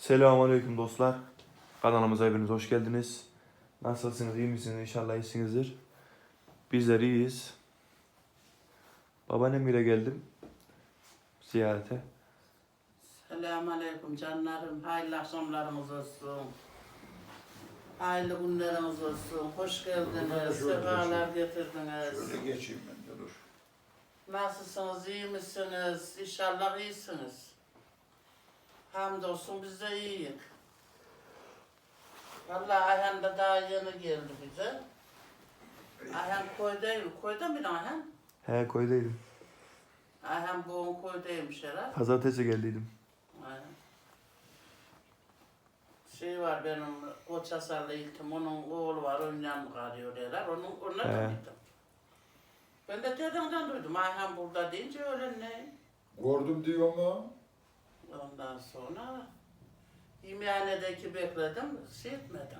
Selamünaleyküm dostlar. Kanalımıza hepiniz hoş geldiniz. Nasılsınız, iyi misiniz? İnşallah iyisinizdir. Bizler iyiyiz. Babaannemle geldim ziyarete. Selamünaleyküm canlarım. Hayırlı akşamlarınız olsun. Hayırlı günleriniz olsun. Hoş geldiniz. Sefalar getirdiniz. Şöyle geçeyim ben de dur. Nasılsınız? İyi misiniz? İnşallah iyisiniz. Hamdolsun biz de iyiyiz. Vallahi Ayhan da daha yeni geldi bize. Ayhan koydayım. Koyda mı Ayhan? He, koydaydım. Ayhan bugün koydaymış herhalde. Pazartesi geldiydim. Aynen. Şey var benim Koçasarlı iltim, onun oğlu var, ondan mı kalıyor derler, onlar da He. gittim. Ben de dedemden duydum, Ayhan burada deyince öyle ne? Gördüm diyor mu? Ondan sonra yemeğhanedeki bekledim, şey etmedim.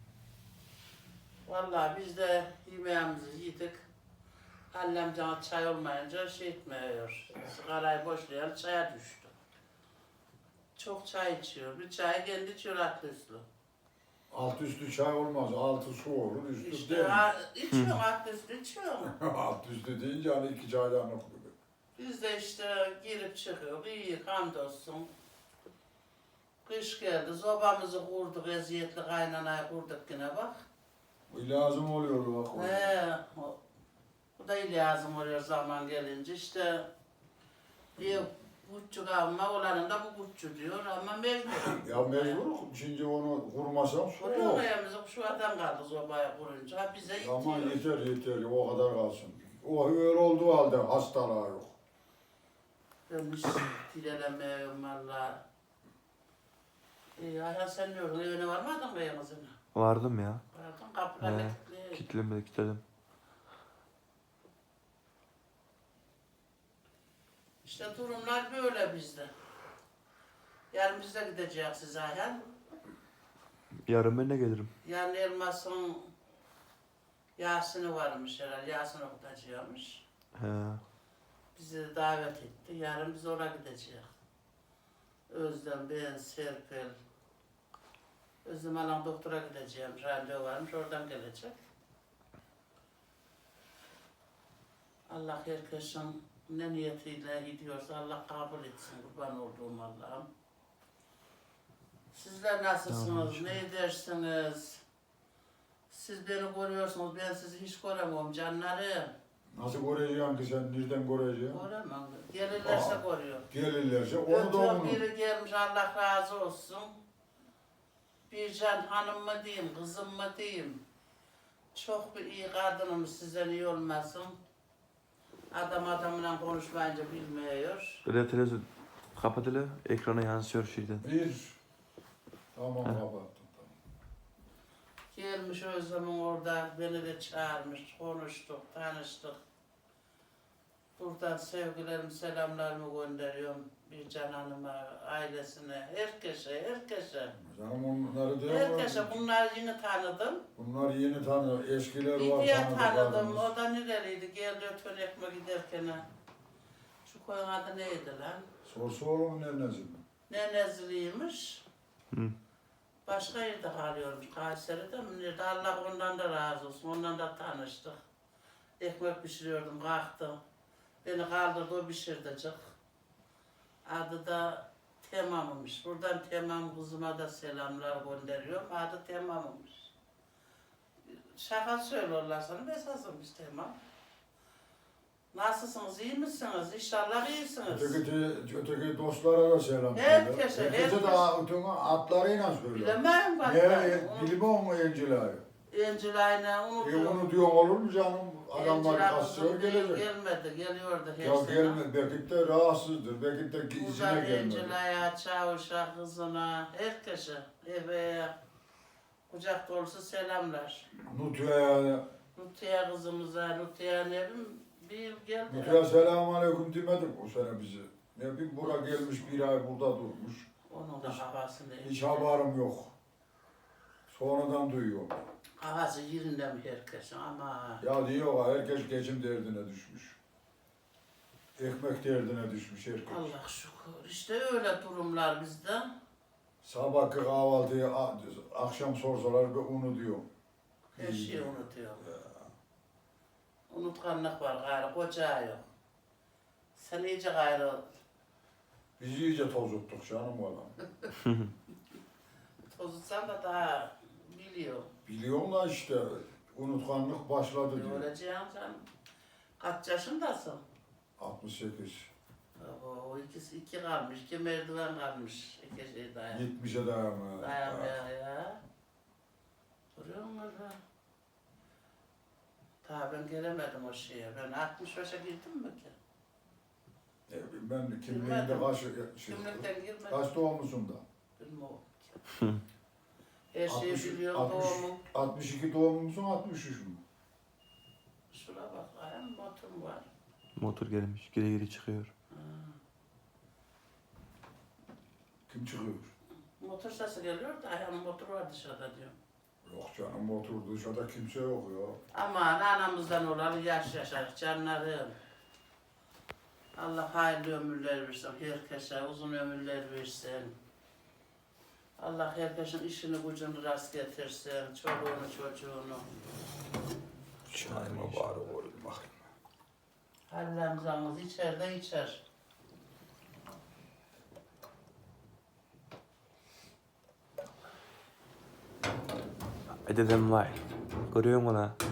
Vallahi biz de yemeğimizi yedik. Annem cana çay olmayınca şey etmiyor, sigarayı boşlayan çaya düştü. Çok çay içiyor, bir çayı kendi içiyor aklı üstlü. Alt üstü çay olmaz. Altı su olur, üstü İşte değil. içiyorum, aklı üstü içiyorum. Alt üstü deyince hani iki çaydanlık gibi. Biz de işte girip çıkıyoruz, iyi hamdolsun. Kış geldi, sobamızı kurduk, eziyetli kaynanayı kurduk yine bak. Bu lazım oluyor bak. Bu da iyi lazım oluyor zaman gelince işte. Ev küçük ama olanın da bu küçük diyor ama mecbur. Ya mecbur. Şimdi onu kurmasan su Kuruyor yok. ayağımızı şu adam kaldı sobaya kurunca bize Ama itiyor. yeter o kadar kalsın. O öyle olduğu halde hastalığı yok. Ben hiç dilelemiyorum valla. Ayhan sen ne oldun? Evine varmadın mı yalnızına? Vardım ya. Vardın kapılar He. kilitli. Kilitledim. İşte durumlar böyle bizde. Yarın biz de gideceğiz Ayhan. Yarın ben de gelirim. Yarın Elmas'ın Yasin'i varmış herhalde. Yasin okutacakmış. He. Bizi davet etti. Yarın biz oraya gideceğiz. Özlem, ben, Serpil. Özlem Hanım doktora gideceğim. Randevu varmış. Oradan gelecek. Allah herkesin ne niyetiyle gidiyorsa Allah kabul etsin. Kurban olduğum Allah'ım. Sizler nasılsınız? Tamam, Ne edersiniz? Siz beni görüyorsunuz. Ben sizi hiç göremiyorum canlarım. Nasıl göreceksin ki sen? Nereden göreceksin? Göremem. Gelirlerse Aa. görüyor. Gelirlerse onu da Çok onu. biri gelmiş Allah razı olsun. Bircan hanım mı diyeyim, kızım mı diyeyim. Çok bir iyi kadınım sizden iyi olmasın. Adam adamla konuşmayınca bilmiyor. Böyle televizyon kapat hele. Ekrana yansıyor şeyden. Bir. Tamam He. kapattım. Tamam. Gelmiş Özlem'in orada beni de çağırmış, konuştuk, tanıştık. Buradan sevgilerimi, selamlarımı gönderiyorum Bircan Hanım'a, ailesine, herkese. Canım onları diyor Herkese bunları yeni tanıdım. Bunlar yeni tanıyor. Eskiler var Bir diye tanıdım, tanıdıklarımız. o da nereliydi, geldi ötön ekme giderken. Şu koyun adı neydi lan? Sorsa olur mu nenesi mi? Nenezliymiş. Hı. Başka yerde kalıyormuş, Kayseri'de mi? Nerede? Allah ondan da razı olsun, ondan da tanıştık. Ekmek pişiriyordum, kalktım. Beni kaldırdı, o pişirdicik. Adı da Temam'mış. Buradan Temam kızıma da selamlar gönderiyorum. Adı Temam'mış. Şaka söylüyorlar sana, esasıymış Temam. Nasılsınız, iyi misiniz? İnşallah iyisiniz. Öteki dostlara da selam söyle. Herkese, Herkese herkes. de öteki atlarıyla söyle. Bilemem bak. Ne, bilmem mu Encilay'ı? Encilay'la unutuyorum. Onu diyorum olur mu canım? Adamlar kasıyor gelecek. Gelmedi, geliyordu her Ya sene. gelme, belki de rahatsızdır, belki de izine Uzak gelmedi. Encilay'a, Çavuş'a, kızına, herkese, eve, kucak dolusu selamlar. Nutu'ya, Nutiye kızımıza, Nutiye ne bileyim, bir yıl geldi. Nutu'ya selamun aleyküm demedik bu sene bize. Ne bileyim bura gelmiş bir ay burada durmuş. Onun da havasını Hiç haberim yok. Sonradan duyuyorum. havası yerinde mi herkes ama Ya diyor ha, herkes geçim derdine düşmüş. Ekmek derdine düşmüş herkes. Allah şükür. İşte öyle durumlar bizde. Sabahki kahvaltıyı akşam sorsalar ben unutuyorum. Her şeyi unutuyor. Unutkanlık var gayrı, koca yok. Sen iyice gayrı Biz iyice tozuttuk canım oğlum. tozutsan da daha biliyor. Biliyorum da işte unutkanlık başladı diyor. Öleceğim canım. Kaç yaşındasın? 68. O ikisi iki kalmış, iki merdiven kalmış. İki şey dayan. 70'e dayanmaya. Dayanmaya ya. Duruyor mu orada? Daha ben gelemedim o şeye. Ben 65'e girdim mi ki? Ben kimliğinde Bilmedim. kaç, Kimlikten girmedim. kaç doğumlusun da? Bilmiyorum ki. Her şeyi biliyorum doğumu. 62 doğumlu musun 63 mü? Şuna bak, ayağım motorum var. Motor gelmiş. Geri geri çıkıyor. Ha. Kim çıkıyor? Motor sesi geliyor da ayağımın motoru var dışarıda diyorum. Yok canım motor dışarıda kimse yok ya. Aman anamızdan olalı yaş yaşar canlarım. Allah hayırlı ömürler versin herkese, uzun ömürler versin. Allah herkesin işini gücünü rast getirsin, çoluğunu çocuğunu. Çayıma bari koyayım bakayım. Hallemzamız içer de içer. Dedem vay. Görüyor musun lan?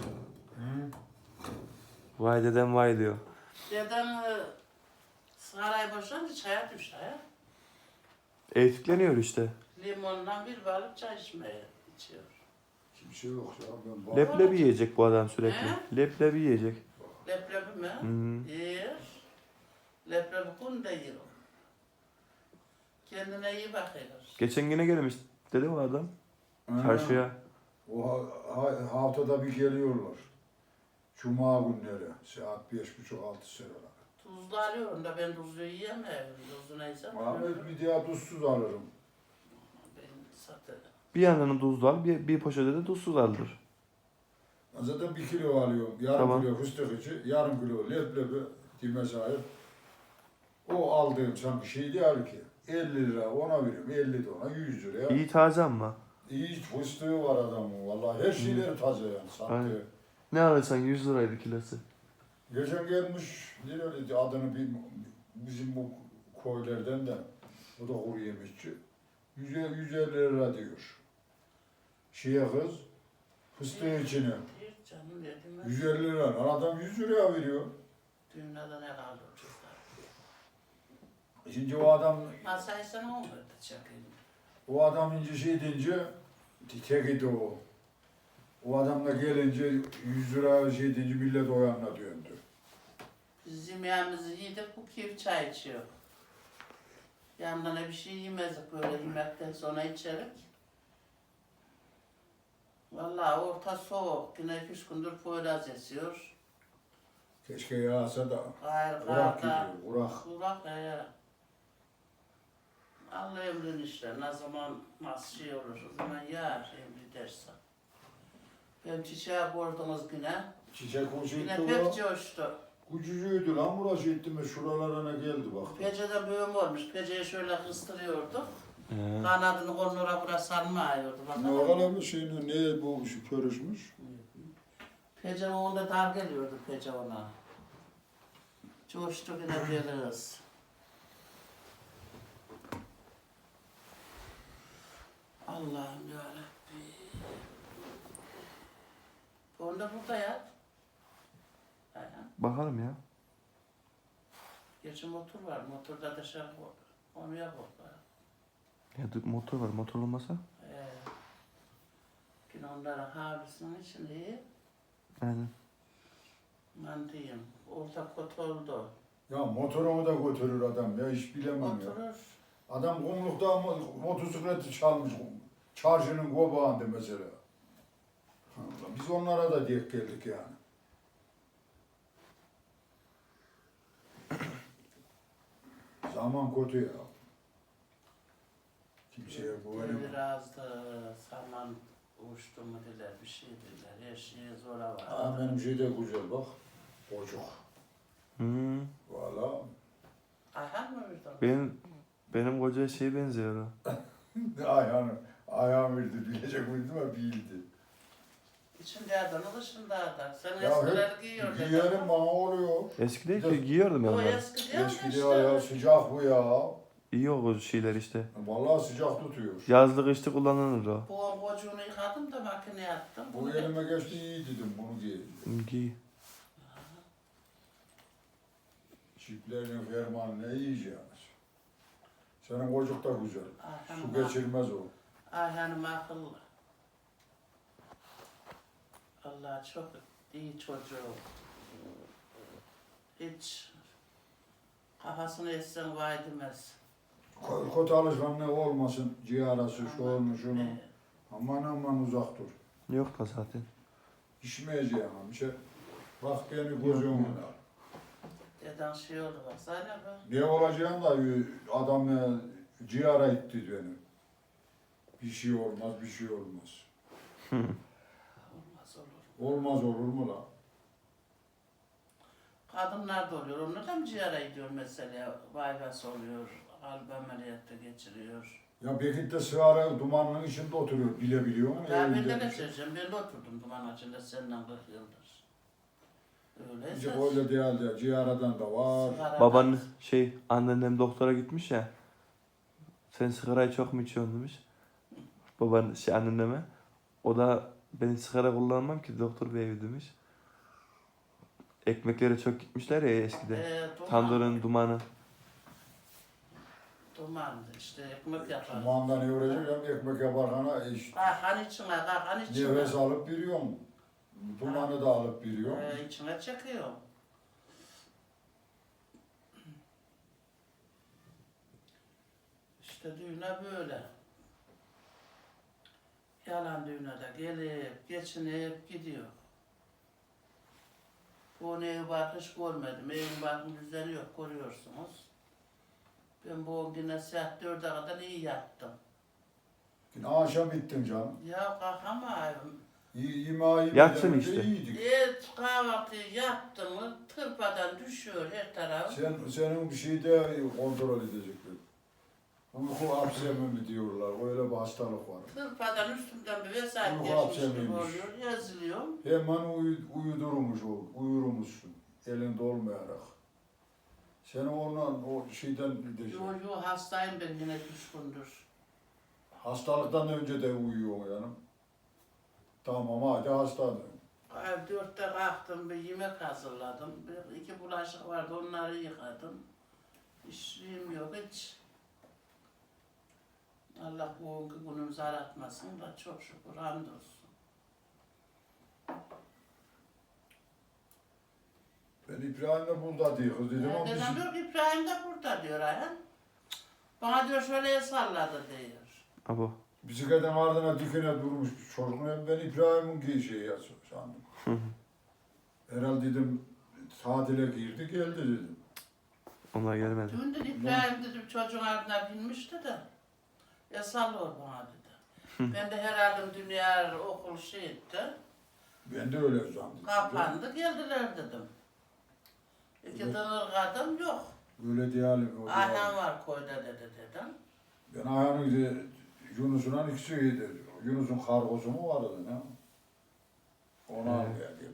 Vay dedem vay diyor. Dedem sigarayı boşanınca çaya düştü ya. Eğitikleniyor işte. Limondan bir balık çay içmeye içiyor. Kimse yok ya. Ben bak. Leblebi yiyecek bu adam sürekli. He? Leblebi yiyecek. Leblebi mi? Hı. Yer. Leblebi kun da yer o. Kendine iyi bakıyor. Geçen yine gelmiş dedi o adam. Ha, Çarşıya. O haftada bir geliyorlar. Cuma günleri saat 5.30-6 sıralar. Tuzlu alıyorum da ben tuzlu yiyemiyorum. Tuzlu neyse Abi alıyorum. bir daha tuzsuz alırım. Ben satarım. Bir yandan tuzlu al, bir poşete de tuzsuz aldır. Zaten 1 kilo alıyorum. Yarım Tamam. kilo fıstık içi, yarım kilo leblebi dime sahip. O aldığım sanki şey değil ki. 50 lira ona veriyorum, 50 de ona 100 liraya. İyi taze ama. İyi fıstığı var adamın vallahi. Her şeyleri taze yani sattı. Aynen. Ne alırsan 100 liraydı kilosu. Geçen gelmiş, nereli adını bizim bu koylardan da, o da kuru yemişçi. 150 lira diyor. Şeye kız, fıstığı içine. Bir canım dedim. 150 lira. Lan adam 100 liraya veriyor. Dünyada ne kaldı çocuklar? Şimdi o adam, Masayı sana olmadı çakayım. o adam ince şey deyince, tek idi o. O adam da gelince 100 lira şey deyince millet o yanına döndü. Biz yemeğimizi yedik, bu keyif çay içiyor. Yanına bir şey yemezdik böyle yemekten sonra içerik. Vallahi orta soğuk, yine 2-3 gündür Poyraz esiyor. Keşke yağsa da. Gayrı Kurak karda, gidiyor, kurak. kurak Allah emrin işte, ne zaman nasıl şey olur, o zaman yağar emri derse. Ben çiçeğe koydunuz yine, Çiçek hoş yine etti pek o. coştu. Kucucuydu lan burası etti mi şuralarına geldi bak. Peceden büyüm olmuş, peceyi şöyle kıstırıyorduk. He. Kanadını kollara buraya sarmıyordu. Ne kadar bir şey ne bu şu karışmış? Pece onda dar geliyordu pece ona. Coştu yine bir kız. Allah'ım yarabbim. Onda burada yat. Aynen. Bakalım ya. Gerçi motor var. Motorda dışarı koy. Onu yap orada. Ya motor var. Motor olmasa? Yine onların havlusunun içinde Aynen. ben diyeyim. Orta kot oldu. Ya motorumu da götürür adam ya hiç bilemem ya. Oturur. Adam kumlukta motosikleti çalmış. Çarşının kobağında mesela. Allah, biz onlara da denk geldik yani. Zaman kötü ya. Kimseye Devir güvenemem. azdı, saman uçtu mu dediler, bir şey dediler. Her şeye zora var. Ha, benim şey de güzel bak. Çocuk. Hmm. Valla. Ayhan mı verdin? Benim koca şeye benziyor o. Ayağım verdi, bilecek miydim ama bildi. İçinde adamı dışında adam. Sen Ya eskileri hep giyiyor. giyerim bana oluyor. Eskide ki giyiyordum ben O onları. eski değil mi Eskidi işte? ya sıcak bu ya. İyi o şeyler işte. Vallahi sıcak tutuyor. Yazlık işte kullanılır o. Bu kocuğunu yıkadım da makineye attım. Bu elime geçti iyi dedim bunu giy. Giy. Çiftlerin fermanı ne yiyeceğiniz? Senin kocuk da güzel. Su Ayhan'ım geçirmez o. Ayhan'ım akıllı. Allah çok iyi çocuğu. Hiç kafasını etsen vay demez. Kötü alışkanlığı olmasın, ciğerası, şu onu şunu. Ee, Aman aman uzak dur. Yok da zaten. İçmeyeceğim amca. Bak beni gözümün al. Deden şey oldu baksana bak. Ne olacağım da adam ciğera itti beni. Bir şey olmaz, bir şey olmaz. Olmaz olur. Olmaz olur mu la? Kadınlar da oluyor. Onlar da mı ciğere gidiyor mesela? Bypass oluyor. Kalp ameliyatı geçiriyor. Ya Bekit'te sigara dumanının içinde oturuyor, bilebiliyor musun? Ya ben Evinde de ne bir şey. söyleyeceğim? Ben de oturdum duman içinde senden 40 yıldır. İşte Öyleyse. öyle değil ya, ciğeradan da var. sigaradan- Baban anneannem doktora gitmiş ya. Sen sigarayı çok mu içiyorsun demiş. Baban anneanneme. O da ben sigara kullanmam ki doktor bey demiş. Ekmeklere çok gitmişler ya eskiden. Duman. Tandırın dumanı. Dumandı işte ekmek yaparız. Dumandan ne uğraşacağım, ekmek yaparken işte. Kalkan içine, kalkan içine. Nefes alıp veriyorum. Dumanı da alıp veriyorum. İçine çekiyor. İşte düğüne böyle. Yalan düğüne de gelip, geçinip gidiyor. Bu ev bakış görmedim. Evin bakım düzeni yok, görüyorsunuz. Ben bu güne saat 4'e kadar iyi yattım. Yine akşam bittin canım. Ya kalkamayım. Yemeği Yatsın işte. iyiydik. Kahvaltıyı yaptım mı tırpadan düşüyor her taraf. Senin bir şey de kontrol edecekler. Uyku hapsemi mi diyorlar, öyle bir hastalık var. Tırpadan üstümden bir vesayet Ruh geçmiş gibi hapsemiymiş. oluyor, yazılıyorum. Hemen uyudurmuş o, uyurmuşsun elinde olmayarak. Seni ondan o şeyden gidecek. Yo hastayım ben yine 3 gündür. Hastalıktan önce de uyuyor yani. Tamam hadi hastanım. 4'te kalktım, bir yemek hazırladım. 2 bulaşık vardı, onları yıkadım. İşim yok hiç. Allah bu günümüzü aratmasın da çok şükür hamdolsun. Ben İbrahim'le burada diyor dedim ama Dedem biz... diyor ki İbrahim de burada diyor Ayhan. Bana diyor şöyle salladı diyor. Abo. Bisikletin ardına dikine durmuş çocuk. Ben İbrahim'in şeyi sandım. Herhalde dedim tatile girdi geldi dedim. Onlar gelmedi. Dün dedi İbrahim dedim çocuğun ardına binmişti de. Ya sallıyor bana dedi. Ben de herhalde dünya okul şey etti. Ben de öyle sandım. Kapandı geldiler dedim. İki Evet. tane kadın yok. Öyle diyelim. O Ayhan diyelim. var koyda dedi dedim. Ben Ayhan'ın Yunus'un ikisiydi. Yunus'un kargosu mu vardı ne? Onu almaya geldiler.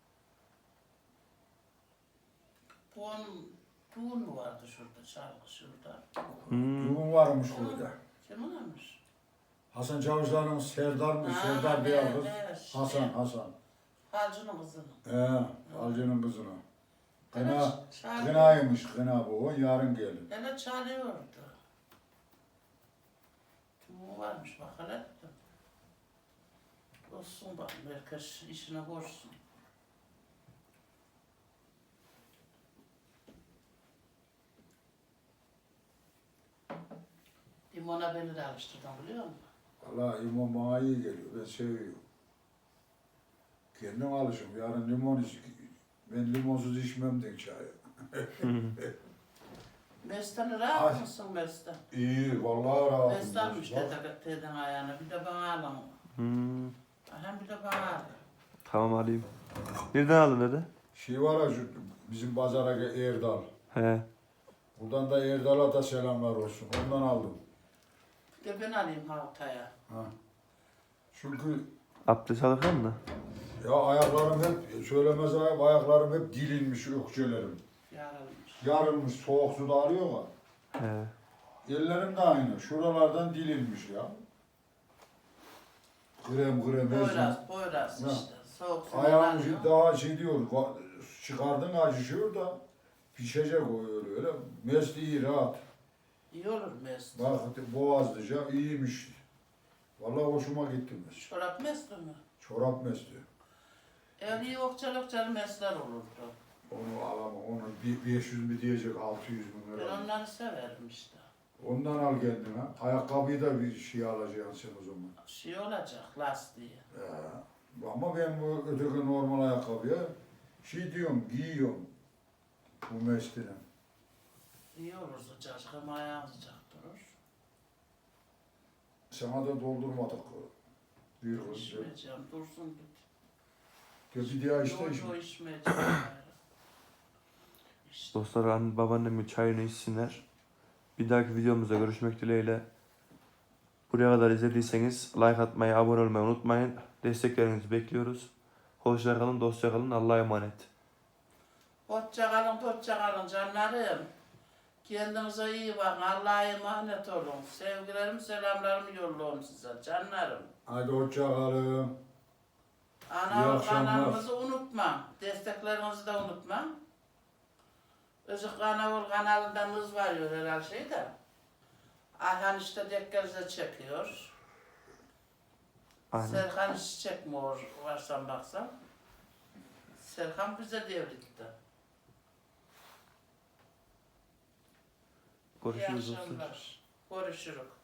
Düğün mü vardı şurada, çalgı şurada. Düğün varmış burada. Kim olmuş? Hasan Çavuşlar'ın Serdar mı? Serdar Bey kız. Hasan. Halcının kızını. Alcı'nın kızına. Evet, Kınaymış kına bu. O yarın gelir. Hele çalıyordu. Düğün varmış bak hele. Olsun bak, herkes işine koşsun. Limona beni de alıştırdın biliyor musun? Valla limon bana iyi geliyor. Ben seviyorum. Kendim alışım. Yarın limon iç. Ben limonsuz içmem de çayı. Mesut'un rahat Ay. mısın Mesut? İyi, vallahi rahatım. Mesut'muş Bak, deden ayağına, bir de bana alın. Hem bir de bana alın. Tamam alayım. Nereden aldın dedi? Şey var ya şu bizim pazara Erdal. He. Buradan da Erdal'a da selamlar olsun. Ondan aldım. Bir de ben alayım haftaya. Ha. Çünkü Abdest alırken mi? ya ayaklarım hep, söylemez ayaklarım hep dilinmiş ökçelerim. Yarılmış. Yarılmış, soğuk suda arıyor ya. He. Ellerim de aynı. Şuralardan dilinmiş ya. Krem Boyraz Ha. işte. Soğuk su Ayağım yanıyor. daha şey diyor, çıkardın acışıyor da pişecek o öyle. Mesleği rahat. İyi olur mesut. Bak boğazlıca iyiymiş. Vallahi hoşuma gitti mes. Çorap mesut mu? Çorap mesleği. Eğer iyi okçalı mesler olurdu. Onu alamam. Onu 500 mi diyecek 600 bin Ben lira. onları severim işte. Ondan al kendine. Ayakkabıyı da bir şey alacaksın sen o zaman. Şey olacak lastiği. Ama ben bu öteki normal ayakkabıya şey diyorum, giyiyorum. Bu mesleğine. İyi olur sıcacık ama ayağın sıcak durur. Sana da doldurmadık. Bir kız. İçmeyeceğim, dursun git. Bir daha işte Yo içmeyeceğim. İşte. Dostlar babaannemin çayını içsinler. Bir dahaki videomuzda görüşmek dileğiyle. Buraya kadar izlediyseniz like atmayı, abone olmayı unutmayın. Desteklerinizi bekliyoruz. Hoşça kalın, dostça kalın. Allah'a emanet. Hoşça kalın canlarım. Kendinize iyi bakın. Allah'a emanet olun. Sevgilerimi, selamlarımı yolluyorum size canlarım. Hadi hoşça kalın. İyi Ana akşamlar. kanalımızı unutma. Desteklerinizi de unutma. Özük Kanavul kanalından hız varıyor herhalde şeyde. Ayhan işte dekkezde çekiyor. Aynen. Serkan hiç çekmiyor varsan baksan. Serkan bize devletti. İyi Görüşürüz dostlar. akşamlar. Görüşürüz.